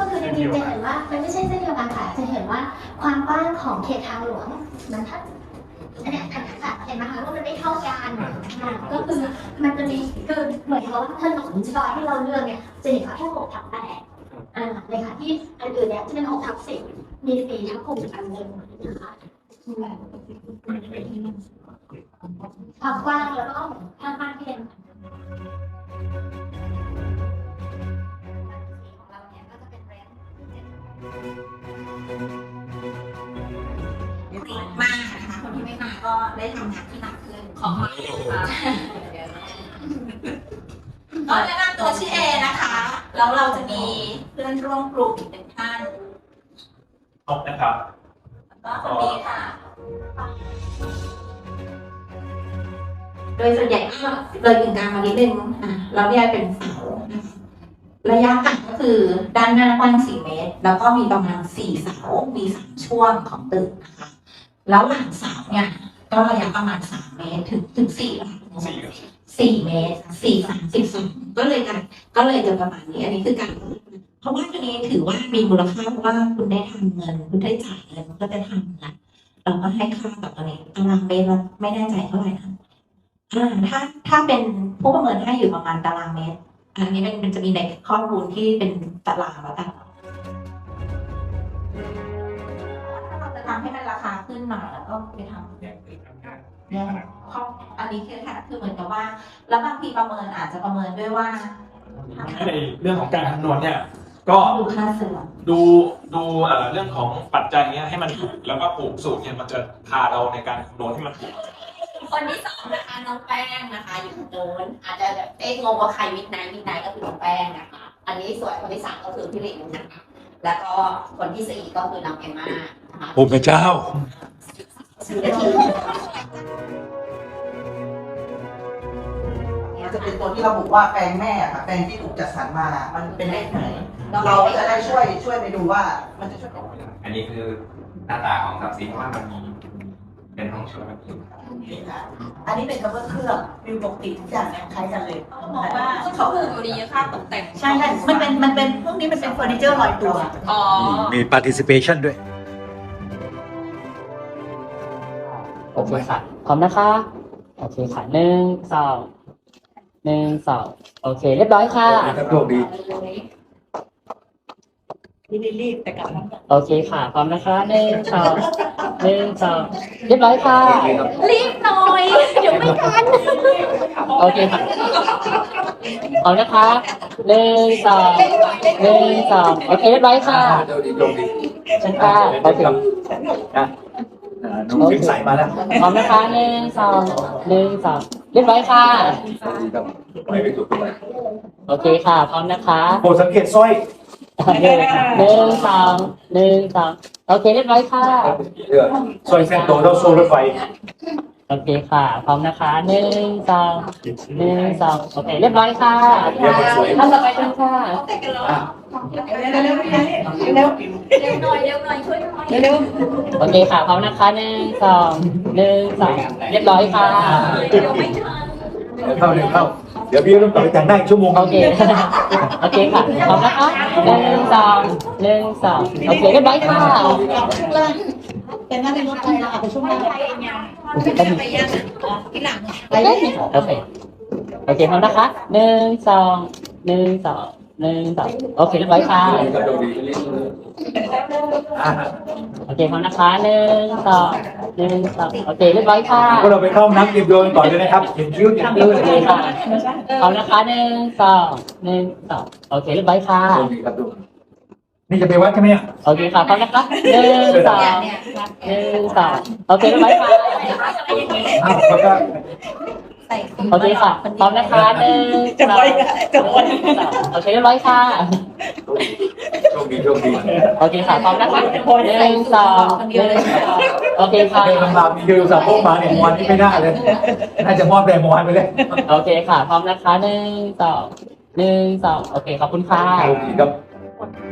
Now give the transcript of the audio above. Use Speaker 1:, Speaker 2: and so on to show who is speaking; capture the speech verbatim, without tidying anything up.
Speaker 1: คือจริงๆจะเห็นว่ามันไม่ใช่เส้นเดียวกันค่ะจะเห็นว่าความกว้างของเขตทางหลวงมันถ้าอันนี้อันนี้ค่ะเห็นไหมคะว่ามันไม่เท่ากันก็คือมันจะมีคือเหมือนกับว่าถนนซอยที่เราเลือกเนี่ยจะเห็นว่าแค่หกทับแปดอ่าเลยค่ะที่อันอื่นเนี่ยที่เป็นหกทับสิบมีสี่ทับหกอันหนึ่งนะคะความกว้างแล้วก็ข้างบ้านที่เป็นของเราเนี่ยก็จะเป็นเรนจ์
Speaker 2: มากนะคะคนที่ไม่มาก็ได้ทำงานที่หนักขึ้นของเราค่ะก็แนะนำตัวชื่อเอนะคะแล้วเราจะมีเพื่อนร่วมกลุ่มอีกหนึ่งท่าน
Speaker 3: ครบนะครับ
Speaker 2: ก็คนนี้ค่ะโดยส่วนใหญ่ก็เลยถึงกลางมานิดนึงอ่ะเราแยกเป็นเสาระยะห่างก็คือด้านหน้ากว้างสี่เมตรแล้วก็มีประมาณสี่เสามีสามช่วงของตึกนะคะแล้วหลังเสาเนี่ยก็ระยะประมาณสามเมตรถึงถึงสี่สี่เมตรสี่สามสิบสองก็เลยกันก็เลยจะประมาณนี้อันนี้คือการเพราะว่าตัวนี้ถือว่ามีมูลค่าเพราะว่าคุณได้ทำเงินคุณได้จ่ายเงินมันก็จะทำนะเราก็ให้ค่ากับตัวนี้ตารางเมตรเราไม่แน่ใจเท่าไหร่นะอ่าถ้าถ้าเป็นผู้ประเมินให้อยู่ประมาณตารางเมตรอันนี้เป็นมันจะมีในข้อมูลที่เป็นตารางแล้วกันถ้าเราจะทำให้มันราคาขึ้นหน่อยแล้วก็ไปทำเนี่ยข้ออันนี้คือค่ะคือเหมือนกับว่าแล้วบางทีประเมินอาจจะประเมินด้วยว่า
Speaker 3: ในเรื่องของการคำนวณเนี่ยก็
Speaker 2: ดูค่าเสื่อม
Speaker 3: ดูดูเรื่องของปัจจัยเนี้ยให้มันถูกแล้วก็ผูกสูตรเนี่ยมันจะพาเราในการคำนวณที่มันถูก
Speaker 2: คนที่สองนะคะน้องแป้งนะคะอยู่ตรงโน้นอาจจะแบบเอ๊ะงงว่าใครวิทย์ไหนวิทย์ไหนก็คือน้องแป้งนะคะอันนี้ส่วนคนที่สามก็คือพี่หลิงนะคะแล้วก็คนที่สี่ก็คือน้องเอมม่านะคะ
Speaker 4: โอ้พระเจ้า
Speaker 5: มันจะเป็นตัวที่ระบุว่าแปลงแม่ค่ะแปลงที่ถูกจัดสรรมามันเป็นเลขไหนเราจะได้ช่วยช่วยไปดูว่ามันจะช่วย
Speaker 6: อันนี้คือหน้าตาของทรัพย์สินว่ามันมีเป็นห้องชุดแบบนี้
Speaker 5: อันนี้เป็นกระเบื้องเครื่องวิวปกติทุกอย่างเนี่ยคล้ายกันเลย
Speaker 2: เขาบอกว่าเขาผูกอยู่ดีค่าตกแต่ง
Speaker 5: ใช่ใช่มันเป็นมันเป็นพวกนี้มันเป็นเฟอร์นิเจอร์ลอยตัว
Speaker 2: อ๋อ
Speaker 4: มี participation ด้วย
Speaker 7: โอเคค่ะพร้อมนะคะโอเคค่ะหนึ่งสองหนึ่งสองโอเคเรียบร้อยค่ะ
Speaker 4: โชคดี
Speaker 5: รีบๆแต่กลับ
Speaker 7: โอเคค่ะพร้อมนะคะหนึ่งสองหนึ่งสองเรียบร้อยค่ะ
Speaker 2: รีบหน่อยเดี๋ยวไม่ทัน
Speaker 7: โอเคค่ะพร้อมนะคะหนึ่งสองหนึ่งสองโอเคเรียบร้อยค่ะ
Speaker 4: โชคดีโชคดี
Speaker 7: ฉันค่ะโอเค
Speaker 4: น้องฟิงใส่มาแล้ว
Speaker 7: พร้อมนะคะหนึ่งสองหนึ่งสองเรียบร้อยค่ะโอเคค่ะพร้อมนะคะ
Speaker 4: โปรดสังเกตสร้อย
Speaker 7: หนึ่งหนึ่งสองหนึ่งสองโอเคเรียบร้อยค่ะ
Speaker 4: สร้อยเส้นโตเท่าโซ่รถไฟ
Speaker 7: โอเคค่ะพร้อมนะคะหนึ่งสองหนึ่งสองโอเคเรียบร้อยค่ะท่านต่อไปกันค่ะ
Speaker 2: เร็วเร็วเร็วเร็วหน่อยเร็วหน่อยช่วยหน่อยเร็ว
Speaker 7: โอเคค่ะพร้อมนะคะหนึ่งสองหนึ่งสองเรียบร้อยค่ะ
Speaker 2: เดี๋ยวไม่ทัน
Speaker 4: เดี๋ยวเข้าเดี๋ยวเข้าเดี๋ยวพี่ต้องต่อไปแต่งหน้าอีกชั่วโมง
Speaker 7: โอเคโอเคค่ะพร้อมนะคะหนึ่งสองหนึ่งสองโอเคเรียบร้อยค่ะ
Speaker 5: แต่น่าจะลดไปเราอาจจะช่วงแรก
Speaker 2: โอเคไปยังที่หลัง
Speaker 7: โอเคโอเคโอเคพร้อมนะคะหนึ่งสองหนึ่งสองหนึ่งสองโอเคเรียบร้อยค่ะโอเคพร้อมนะคะหนึ่งสองหนึ่งสองโอเคเรียบร้อยค่ะ
Speaker 4: พวกเราไปเข้าน้ำเตรียมตัวก่อนเลยนะครับเห็นคิ้วเห็นคิ้ว
Speaker 7: เลยค่ะพร้อมนะคะหนึ่งสองหนึ่งสองโอเคเรียบร้อยค่ะ
Speaker 4: นี่จะไปวัดใช่ไหมเนี่ย
Speaker 7: โอเคค่ะพร้อมนะคะหนึ่งสองหนึ่งสองโอเคเรียบร้อยค่ะ
Speaker 4: อ้าวแล้วก็
Speaker 7: โอเคค่ะพร้อมนะคะหนึ่งสองโอเคเรียบร้อยค่ะ
Speaker 4: โชคดีโชคดี
Speaker 7: โอเคค่ะพร้อมนะคะหนึ่งสองหนึ่งสองโอเคค่ะ
Speaker 4: เดินลำบากมีเดินสับพวกมาเนี่ยวันนี้ไม่ได้เลยน่าจะมอบแรงวันไปเลย
Speaker 7: โอเคค่ะพร้อมนะคะหนึ่งสองหนึ่งสองโอเคขอบคุณค่ะ
Speaker 4: โอเคครับ